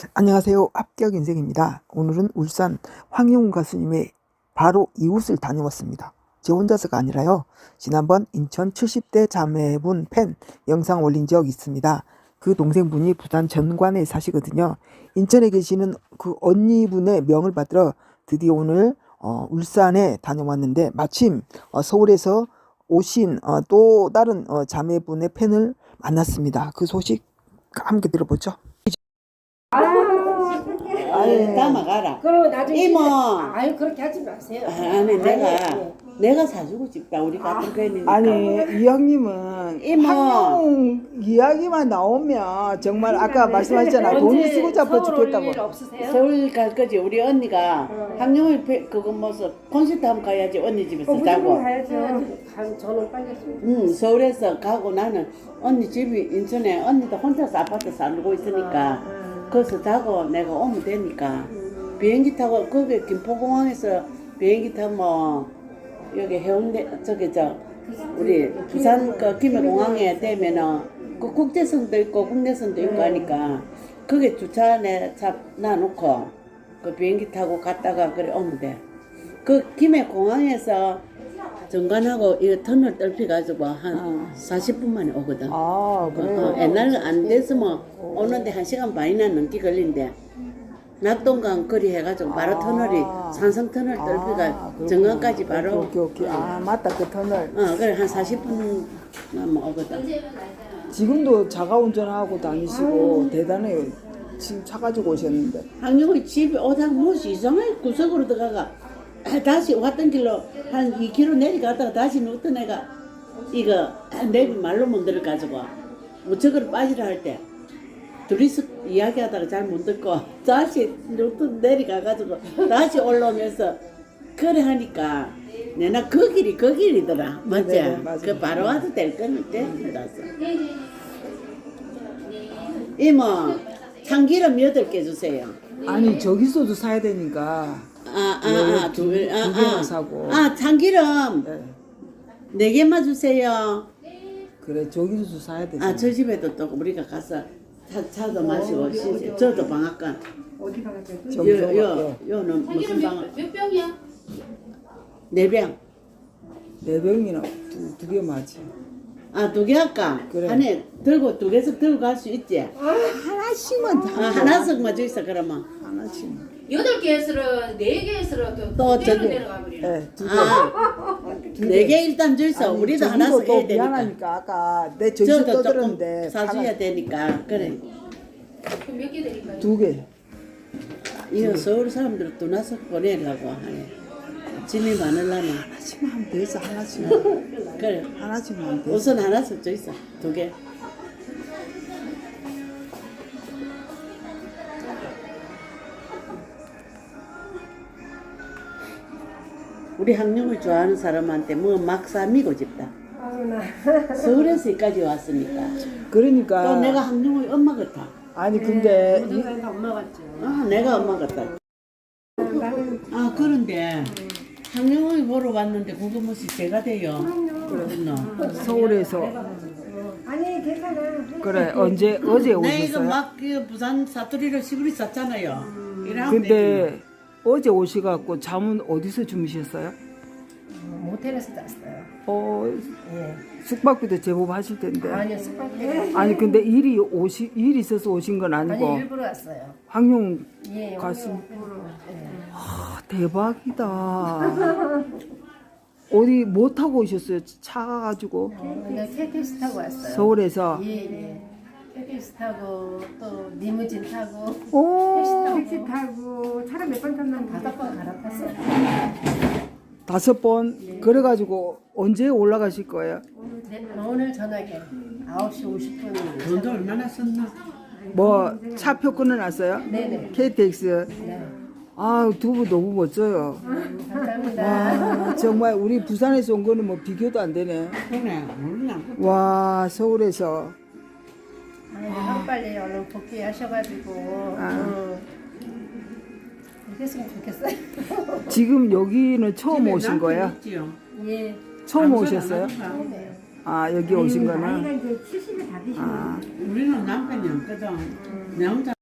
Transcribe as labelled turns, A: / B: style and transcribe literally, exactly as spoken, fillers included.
A: 안녕하세요. 합격 인생입니다. 오늘은 울산 황영훈 가수님의 바로 이웃을 다녀왔습니다. 제 혼자서가 아니라요. 지난번 인천 칠십 대 자매분 팬 영상 올린 적 있습니다. 그 동생분이 부산 전관에 사시거든요. 인천에 계시는 그 언니분의 명을 받들어 드디어 오늘 어, 울산에 다녀왔는데 마침 어, 서울에서 오신 어, 또 다른 어, 자매분의 팬을 만났습니다. 그 소식 함께 들어보죠.
B: 아유, 담아가라.
C: 그러면 나중에
B: 이모.
C: 진짜- 아유 그렇게 하지 마세요.
B: 아니 내가
C: 아니,
B: 내가 사주고 싶다. 우리 같은 편이니까.
A: 아니 이 형님은
B: 이모.
A: 황룡 이야기만 나오면 정말 아까 말씀하셨잖아. 돈이 쓰고 잡아
C: 서울 올 일
A: 죽겠다고.
C: 없으세요?
B: 서울 갈 거지. 우리 언니가
C: 어.
B: 학령을 배- 그거 뭐서 콘서트 한번 가야지. 언니 집에서
C: 어, 무조건
B: 자고.
C: 가야죠. 가- 저는 빨리 좀.
B: 응, 서울에서 가고 나는 언니 집이 인천에 언니도 혼자서 아파트 살고 있으니까
C: 아,
B: 거기서 자고 내가 오면 되니까 비행기 타고 거기 김포공항에서 비행기 타면 여기 해운대 저기 저 우리 부산 그 김해공항에 되면은 그 국제선도 있고 국내선도 있고 하니까 거기 주차내 차 놔놓고 그 비행기 타고 갔다가 그래 오면 돼. 그 김해공항에서 정관하고 이 터널 뚫혀가지고 한
A: 어.
B: 사십 분 만에 오거든.
A: 아
B: 어,
A: 그래.
B: 어, 옛날에 안 됐으면 오는데 한 시간 반이나 넘게 걸린대. 낙동강 거리 해가지고 바로
A: 아.
B: 터널이 산성 터널
A: 아,
B: 뚫기가
A: 그렇구나.
B: 정강까지 바로.
A: 오케이 오케이. 아 맞다 그 터널.
B: 어 그래 한 사십 분 남아 오거든.
A: 지금도 자가 운전하고 다니시고 대단해요. 지금 차 가지고 오셨는데.
B: 학령이 집에 오다가 무엇이 이상하게 구석으로 들어가가 다시 왔던 길로 한 이 킬로미터 내려갔다가 다시 누웠던 애가 이거 내비 말로 못 들어가지고 무척으로 빠지라 할 때 둘이서 이야기하다가 잘 못 듣고 다시 누웠던 내려가가지고 다시 올라오면서 그래 하니까 내나 그 길이 그 길이더라. 맞지?
A: 네네, 맞아요.
B: 그 바로 와도 될 건데 몰랐어. 이모 참기름 여덟 개 주세요.
A: 아니 저기서도 사야 되니까.
B: 아, 아, 아, 두 개, 아,
A: 두 개만
B: 아.
A: 사고.
B: 아, 참기름
A: 네.
B: 네 개만 주세요.
A: 그래 저기서도 사야 되잖아.
B: 아, 저 집에도 또 우리가 가서 차, 차도 마시고, 시, 저도 방앗간.
C: 어디 가가지고?
B: 요,
A: 저기서
B: 요, 요는 무슨 방앗?
D: 몇 병이야?
B: 네 병.
A: 네 병이나 두, 두 개 맞지.
B: 아, 두 개 할까?
A: 그래.
B: 안에 들고, 두 개씩 들고 갈 수 있지?
A: 하나씩만
B: 아,
A: 다.
B: 하나씩만 주 있어, 그러면.
A: 하나씩.
D: 여덟 개에서 네 개에서
B: 또
D: 또 두 개로
B: 저기-
D: 내려가 버리네.
A: 네, 두 개.
B: 아, 네 개 일단 주 있어.
A: 아니,
B: 우리도
A: 저기도
B: 하나씩
A: 또
B: 해야 되니까.
A: 미안하니까 아까 내 저기서
B: 저도 조금
A: 떠들었는데
B: 사줘야 되니까. 그래.
D: 그럼 몇 개 드릴까요?
A: 두 개.
B: 이거 서울 사람들 또 나서 보내려고 하네. 짐이 많으려면.
A: 하나씩만 하면 되지 하나씩만.
B: 그래.
A: 하나씩만 하면 되지.
B: 우선 하나씩 줘 있어. 두 개. 우리 학령을 좋아하는 사람한테 뭐 막 사미고 싶다.
C: 아유 나.
B: 서울에서 여기까지 왔으니까.
A: 그러니까
B: 또 내가 학령의 엄마 같아.
A: 아니 근데 이-
C: 모든 다 엄마 같죠.
B: 아, 내가 엄마 같다.
C: 나는
B: 아, 그런데 학령을 보러 왔는데 그거 무엇이 제가 돼요. 그렇구나.
A: 서울에서
C: 아니 괜찮아.
A: 그래 언제 어제
B: 나 이거
A: 오셨어요?
B: 막 그 부산 사투리로 시골이 썼잖아요. 이러면
A: 근데 어제 오셔갖고 잠은 어디서 주무셨어요?
C: 모텔에서 잤어요.
A: 어
C: 예.
A: 숙박비도 제법 하실 텐데.
C: 아니요 숙박비.
A: 아니 근데 일이 오시 일 있어서 오신 건 아니고
C: 아니 일부러 왔어요.
A: 황룡
C: 예.
A: 가수.
C: 일부러. 예.
A: 아, 대박이다. 어디 뭐 타고 오셨어요? 차 가지고
C: 근데 케이티엑스 타고 왔어요.
A: 서울에서.
C: 예, 예. 케이티엑스 타고 또 리무진 타고
A: 오
C: 택시 타고 차를 몇 번 탔는데 다섯 번 갈아탔어요.
A: 다섯 번 그래가지고 언제 올라가실 거예요?
C: 오늘, 제- 오늘 저녁에 아홉 시 오십 분.
B: 돈도 얼마나 썼나?
A: 뭐 차표 끊어놨어요?
C: 네네.
A: 케이티엑스.
C: 네.
A: 아 두부 너무 멋져요.
C: 음, 감사합니다.
A: 와 정말 우리 부산에서 온 거는 뭐 비교도 안 되네.
B: 그래, 몰라.
A: 와 서울에서
C: 아니, 한 빨리 얼른 복귀하셔가지고
A: 아.
C: 어, 이랬으면 좋겠어요.
A: 지금 여기는 처음
B: 집에
A: 오신
B: 남편
A: 거예요?
B: 있지요?
C: 예.
A: 처음
B: 남편
A: 오셨어요?
B: 안 하는가?
C: 네.
A: 아 여기 오신 거는?
C: 이제 칠십이 다 되시네.
A: 아
B: 우리는 남편이 없거든. 내 혼자